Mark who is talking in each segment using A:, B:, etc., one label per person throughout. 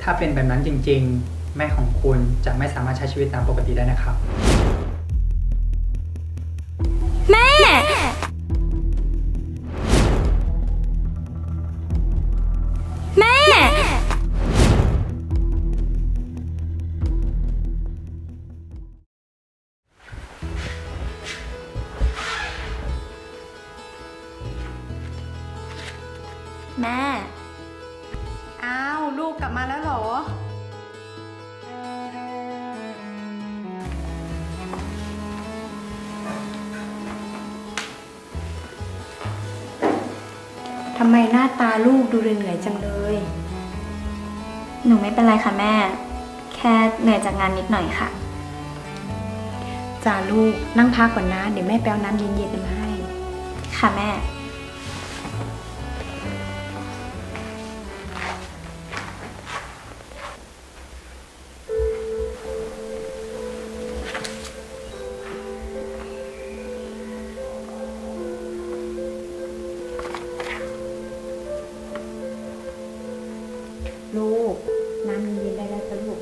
A: ถ้าเป็นแบบนั้นจริงๆแม่ของคุณจะไม่สามารถใช้ชีวิตตามปกติได้นะครับ
B: แม่แม่แม่
C: อ้าวลูกกลับมาแล้วเหรอทำไมหน้าตาลูกดูเหนื่อยๆจังเลย
B: หนูไม่เป็นไรค่ะแม่ แค่เหนื่อยจากงานนิดหน่อยค่ะ
C: จ้าลูกนั่งพักก่อนนะ เดี๋ยวแม่แป๊วน้ำเย็นๆมาให้
B: ค่ะแม่
C: ลูกน้ำเย็นๆได้แล้วจ้ะลูก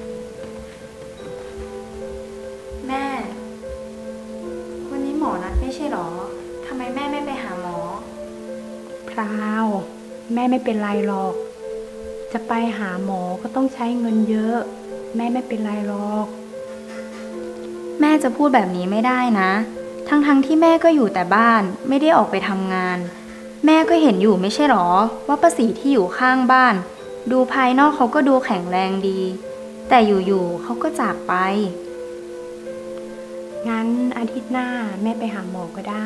B: แม่ วันนี้หมอนัดไม่ใช่หรอ ทำไมแม่ไม่ไปหาหมอ
C: พราวแม่ไม่เป็นไรหรอก จะไปหาหมอก็ต้องใช้เงินเยอะ แม่ไม่เป็นไรหรอก
B: แม่จะพูดแบบนี้ไม่ได้นะ ทั้งที่แม่ก็อยู่แต่บ้าน ไม่ได้ออกไปทำงาน แม่ก็เห็นอยู่ไม่ใช่หรอ ว่าป้าศรีที่อยู่ข้างบ้าน ดูภายนอกเขาก็ดูแข็งแรงดี แต่อยู่ๆเขาก็จากไป
C: งั้นอาทิตย์หน้าแม่ไปหาหมอก็ได้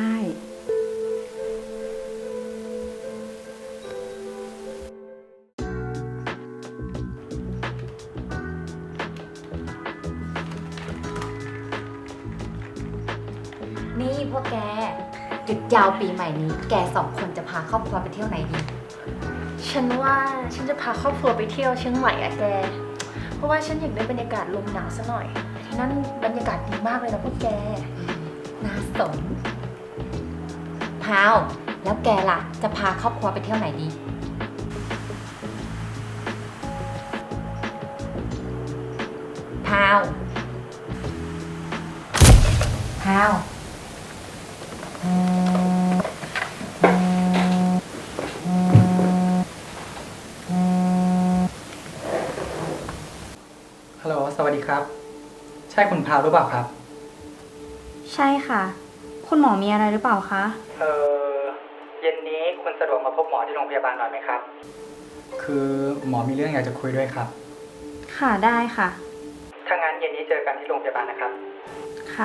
D: นี่พวกแกหยุดยาวปีใหม่นี้แกสองคนจะพาครอบครัวไปเที่ยวไหนดี
E: ฉันว่าฉันจะพาครอบครัวไปเที่ยวเชียงใหม่อะแก เพราะว่าฉันอยากได้บรรยากาศลมหนาวซะหน่อยที่นั่นบรรยากาศดีมากเลยนะพวกแก
D: น่าสนพาวแล้วแกล่ะจะพาครอบครัวไปเที่ยวไหนดีพาวพาว
A: ฮัลโหลสวัสดีครับใช่คุณพาวหรือเปล่าครับ
B: ใช่ค่ะ คุณหมอมีอะไรหรือเปล่าคะ
A: เย็นนี้คุณสะดวกมาพบหมอที่โรงพยาบาลหน่อยไหมครับคือหมอมีเรื่องอยากจะคุยด้วยครับ
B: ค่ะได้ค่ะ
A: ถ้างั้นเย็นนี้เจอกันที่โรงพยาบาลนะครับ
B: ค่ะ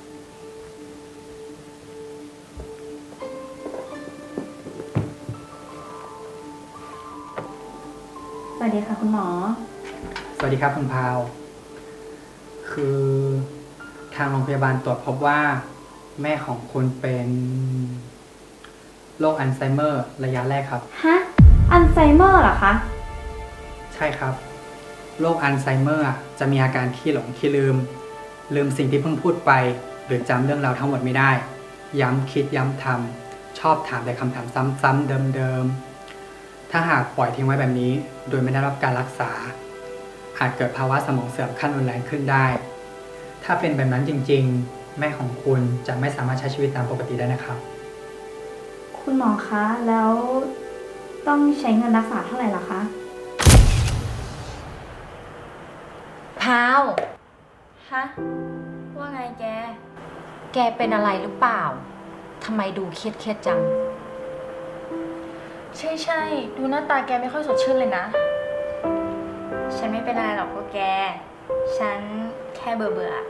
B: สวัสดีค่ะคุณหมอ
A: สวัสดีครับคุณพาวคือทางโรงพยาบาลตรวจพบว่าแม่ของคุณเป็นโรคอัลไซเมอร์ระยะแรกครับ
B: ฮะ อัลไซเมอร์เหรอคะ
A: ใช่ครับโรคอัลไซเมอร์จะมีอาการขี้หลงขี้ลืมสิ่งที่เพิ่งพูดไปหรือจำเรื่องราวทั้งหมดไม่ได้ย้ำคิดย้ำทำชอบถามแต่คำถามซ้ำๆเดิมๆถ้าหากปล่อยทิ้งไว้แบบนี้โดยไม่ได้รับการรักษาอาจเกิดภาวะสมองเสื่อมขั้นรุนแรงขึ้นได้ถ้าเป็นแบบนั้นจริงๆแม่ของคุณจะไม่สามารถใช้ชีวิตตามปกติได้นะครับ
B: คุณหมอคะ แล้วต้องใช้เงินรักษาเท่าไหร่ล่ะคะ
D: พาว
B: ฮะ ว่าไงแก
D: แกเป็นอะไรหรือเปล่าทำไมดูเครียดจัง
E: ใช่ดูหน้าตาแกไม่ค่อยสดชื่นเลยนะ
B: ฉันไม่เป็นอะไรหรอกพวกแก ฉันแค่เบื่อ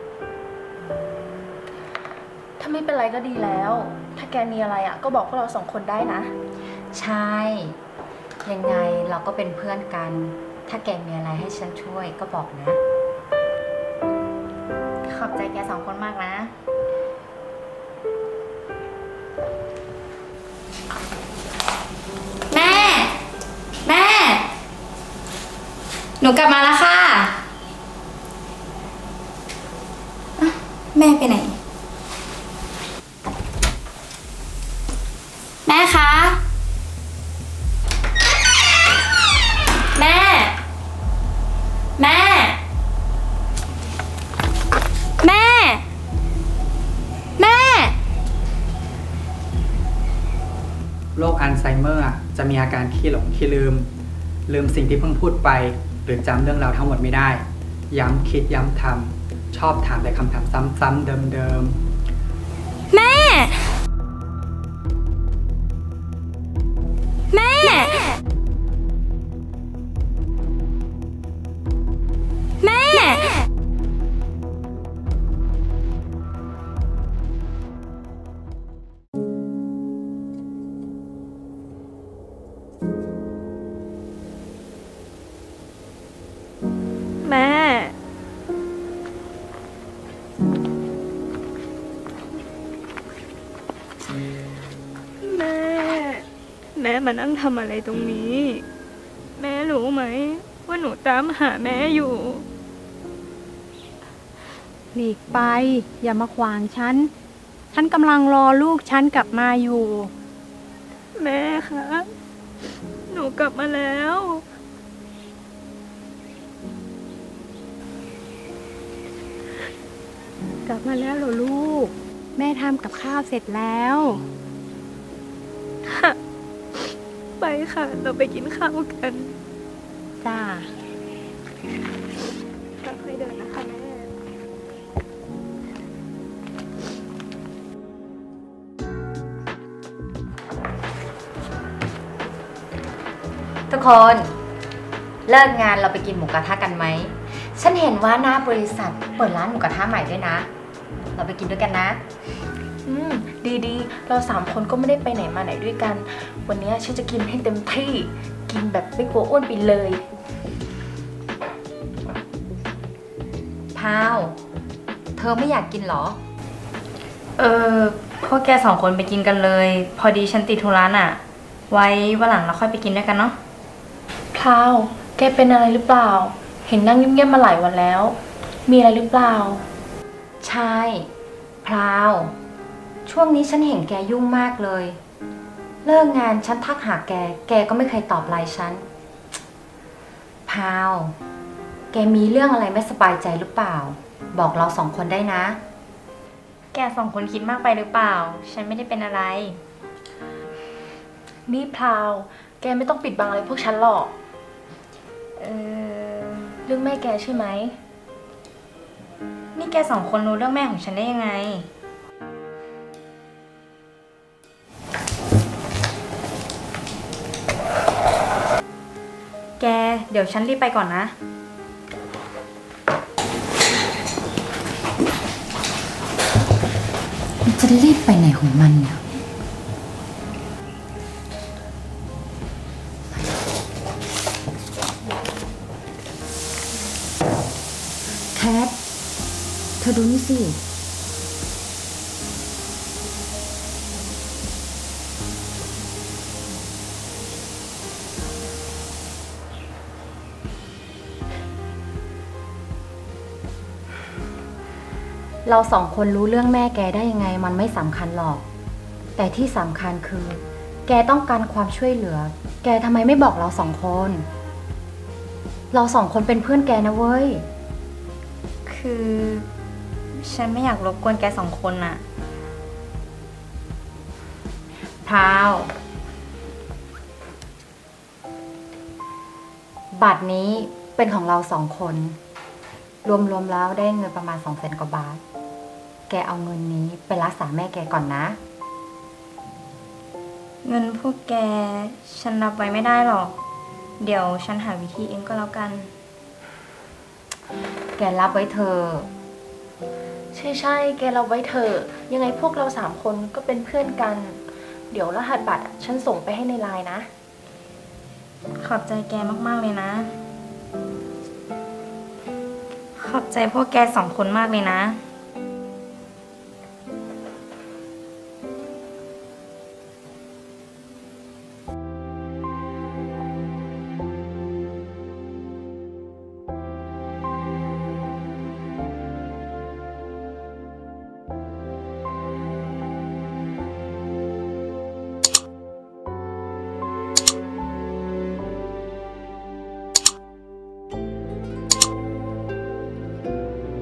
E: ถ้าไม่เป็นไรก็ดีแล้ว ถ้าแกมีอะไรอะก็บอกพวกเราสองคนได้นะ
D: ใช่ยังไงเราก็เป็นเพื่อนกัน ถ้าแกมีอะไรให้ฉันช่วยก็บอกนะ
B: ขอบใจแกสองคนมากนะ แม่ แม่ หนูกลับมาแล้วค่ะอ่ะ แม่ไปไหน แม่คะ แม่แม่ แม่ แม่
A: โรคอัลไซเมอร์จะมีอาการขี้หลงขี้ลืมสิ่งที่เพิ่งพูดไป หรือจำเรื่องราวทั้งหมดไม่ได้ ย้ำคิดย้ำทำชอบถามแต่คำถามซ้ำๆเดิม
B: แม่ แม่ แม่ แม่ แม่ แม่มานั่งทำอะไรตรงนี้ แม่รู้ไหมว่าหนูตามหาแม่อยู่
C: หลีกไป อย่ามาขวางฉัน ฉันกำลังรอลูกฉันกลับมาอยู่
B: แม่คะ หนูกลับมาแล้ว
C: กลับมาแล้วเหรอลูก แม่ทำกับข้าวเสร็จแล้ว
B: ไปค่ะ เราไปกินข้าวกัน
C: จ้า
B: ค่อยๆเดินนะคะแม่
D: ทุกคน เลิกงานเราไปกินหมูกระทะกันไหม ฉันเห็นว่าหน้าบริษัทเปิดร้านหมูกระทะใหม่ด้วยนะ เราไปกินด้วยกันนะ
E: ดีๆ เรา3 คนก็ไม่ได้ไปไหนมาไหนด้วยกัน วันนี้ฉันจะกินให้เต็มที่ กินแบบไม่กลัวอ้วนไปเลย
D: พาว เธอไม่อยากกินเหรอ
B: พวกแก2 คนไปกินกันเลย พอดีฉันติดธุระน่ะ ไว้วันหลังเราค่อยไปกินด้วยกันเนาะ
E: พราว แกเป็นอะไรหรือเปล่า เห็นนั่งเงียบๆมาหลายวันแล้ว มีอะไรหรือเปล่า
D: ใช่ พราว ช่วงนี้ฉันเห็นแกยุ่งมากเลย เลิกงานฉันทักหาแก แกก็ไม่เคยตอบไลน์ฉัน พราว แกมีเรื่องอะไรไม่สบายใจหรือเปล่า บอกเรา2 คนได้นะ
B: แก2 คนคิดมากไปหรือเปล่า ฉันไม่ได้เป็นอะไร
E: นี่พราว แกไม่ต้องปิดบังอะไรพวกฉันหรอก เรื่องแม่แกใช่ไหม
B: นี่แก2 คนรู้เรื่องแม่ของฉันได้ยังไง แก เดี๋ยวฉันรีบไปก่อนนะ
D: มันจะรีบไปไหนของมันเนี่ยแคท เธอดูนี่สิ เรา2 คนรู้เรื่องแม่แกได้ยังไงมันไม่สำคัญหรอก แต่ที่สำคัญคือ แกต้องการความช่วยเหลือ แกทำไมไม่บอกเรา2 คน เรา2 คนเป็นเพื่อนแกนะเว้ย
B: คือฉันไม่อยากรบกวนแก2 คนน่ะ
D: พราว บัตรนี้เป็นของเรา2 คน รวมๆแล้วได้เงินประมาณ200,000 กว่าบาท แกเอาเงินนี้ไปรักษาแม่แกก่อนนะ
B: เงินพวกแก ฉันรับไว้ไม่ได้หรอก เดี๋ยวฉันหาวิธีเองก็แล้วกัน
D: แกรับไว้เธอะ
E: ใช่ๆ แกเราไว้เถอะ ยังไงพวกเรา3 คนก็เป็นเพื่อนกัน เดี๋ยวรหัสบัตรฉันส่งไปให้ในไลน์นะ
B: ขอบใจแกมากๆเลยนะ ขอบใจพวกแก2 คนมากเลยนะ